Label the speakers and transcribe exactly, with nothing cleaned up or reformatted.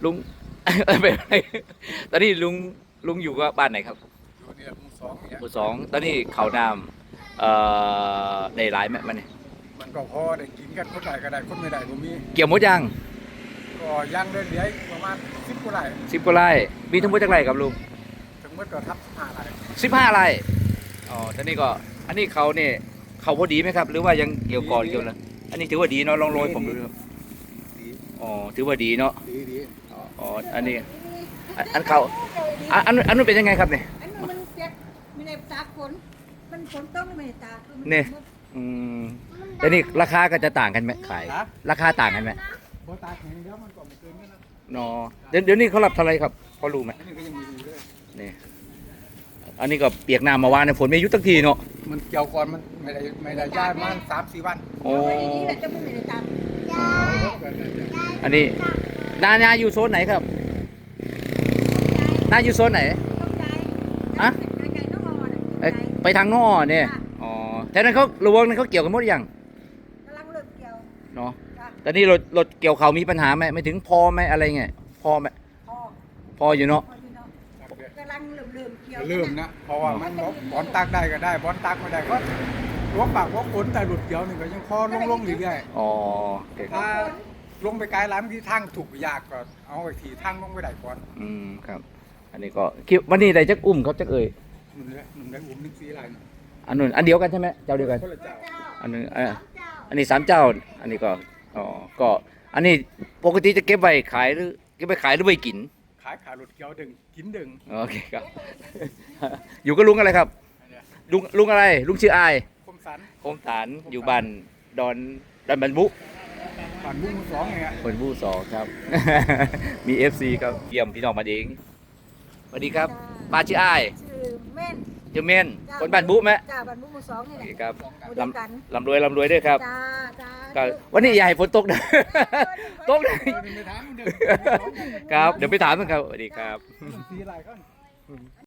Speaker 1: ลุง ไปไปตอนนี้ลุงลุงอยู่กับบ้านไหนครับ
Speaker 2: อยู่เนี่ยหมู่สองเนี่ย
Speaker 1: หมู่สองตอนนี้เขาน้ำเอ่อได้หลายไหมมันนี่
Speaker 2: มันก็พอได้กินกันคนใดก็ได้คนไม่ได้ก็มี
Speaker 1: เกี่ยวหมดยัง
Speaker 2: ก็ย่างเรื่อยๆประมาณสิบกว่าไร่
Speaker 1: สิบกว่าไร่มีทั้งหมดจักไร่ครับลุง
Speaker 2: ถึงเมื่อก็ทับห้าไร่
Speaker 1: สิบห้าไร่อ๋อตอนนี้ก็อันนี้เขาเนี่ยเขาพอดีไหมครับ หรือว่ายังเกี่ยวก่อนเกี่ยวเลยอันนี้ถือว่าดีเนาะลองโรยผมดูครับ
Speaker 2: ดี
Speaker 1: อ๋อถือว่าดีเนาะ
Speaker 2: ดีดี
Speaker 1: อ๋ออันนี้อันอันเขาอันอันอันนู้นเป็นยังไงครับเนี่ย
Speaker 3: อันนั้นมันเปียกไม่ได้ตากฝนมันฝนต้องไม่ได้ตากคือมั
Speaker 1: เนี่ย อืมแต่นี่ราคาก็จะต่างกันไหมขาย
Speaker 2: นะ
Speaker 1: ราคาต่างกันไหม
Speaker 2: บ่ตากแห้งเดี๋ยวมันก็ไม่เกินกันนะ
Speaker 1: เนาะเดี๋ยวเดี๋ยวนี้เขารับเท่าไหรครับพอรู้ไหม
Speaker 2: อันนี้ก็ยังมีอยู่เลย
Speaker 1: นี่อันนี้ก็เปียกน้ำมาวานในฝนไม่หยุดตั้งทีเนาะ
Speaker 2: มันเกี่ยวก่อนมันไม่ได้ไม่ได้ย้ายมาสามสี่วัน
Speaker 1: โอ้
Speaker 3: เอาไว้ดีๆแหละจะไม่ได้ตาก
Speaker 1: อันนี้นานาอยู่โซนไหนครับนาอยู่โซนไหน
Speaker 3: ต้องใจ
Speaker 1: ฮะ
Speaker 3: ไก่ต้องรอน่ะ
Speaker 1: เอ้ยไปทางนอเนี่ยอ๋อแต่นั้นเขาระวงนั้นเขาเกี่ยวกันหมดหรือยัง
Speaker 3: กำลังเลิกเกี่ยว
Speaker 1: เนาะ
Speaker 3: จ้ะ
Speaker 1: แต่นี่รถรถเกี่ยวเขามีปัญหาไหมไม่ถึงพอไหมอะไรเงี้ยพอไหม
Speaker 3: พอ
Speaker 1: พออยู่เนาะ
Speaker 3: พออยู่เนาะกำลังเริ่มเริ่มเกี่ยว
Speaker 2: เริ่มนะเพราะว่ามันบอกบอลตักได้ก็ได้บอลตักไม่ได้ก็ลวกปากลวกฝนแต่หลุดเกี่ยวนี่ก็ยังพอลงลงๆเรื่อย
Speaker 1: อ๋อโอเค
Speaker 2: ๆถ้าลงไปไกลล้ำที่ทางถูกยากก็เอาไอ้ทีทางลงไปได้ก่อน
Speaker 1: อืมครับ อันนี้ก็คิดวันนี้ได้จักอุ้มครับจักเอ่ย
Speaker 2: หนึ่งเลยหนึ่งได้อุ้มหนึ่งสีอะไรนะ
Speaker 1: อันนู้นอันเดียวกันใช่ไหมเจ้าเดียวกัน
Speaker 2: คนละเจ้า
Speaker 1: อันนึงเอออันนี้สามเจ้า อันนี้ก็อ๋อก็อันนี้ปกติจะเก็บไว้ขายหรือเก็บไว้ขายหรือไว้กิน
Speaker 2: ขายขาหลุดเกี่ยวดึงกินดึง
Speaker 1: โอเคครับ อยู่กับลุงอะไรครับ
Speaker 2: อันเนี้ย
Speaker 1: ลุงลุงอะไร ลุงชื่ออาย
Speaker 2: คมสัน
Speaker 1: โคมฐานอยู่บ้านดอนดอนบันบุ
Speaker 2: ผ่านมุ้งสองเนี่ย
Speaker 1: คนบูสองครับ มี เอฟ ซี ครับเยี่ยมพี่น้องมาเองสวัสดีครับป้าชื่ออาย
Speaker 3: ชื่อเม่น
Speaker 1: เจาเมนคนบ้านบุไหม
Speaker 3: จ้าบ้านบุ้งหมู่สองนี่
Speaker 1: โอ
Speaker 3: แห
Speaker 1: เค
Speaker 3: ละ
Speaker 1: ครับ
Speaker 3: หมู่เดียวกัน
Speaker 1: ลำรวยลำรวยด้วยครับ
Speaker 3: จ้าจ้า
Speaker 1: ก็วันนี้อย่าให้ฝนตกนะ ตกนะ
Speaker 2: เดินไปถามมันเดิน
Speaker 1: ครับ เดี๋ยวไปถามมันครับสวัสดีครับ
Speaker 2: สีอะไรก็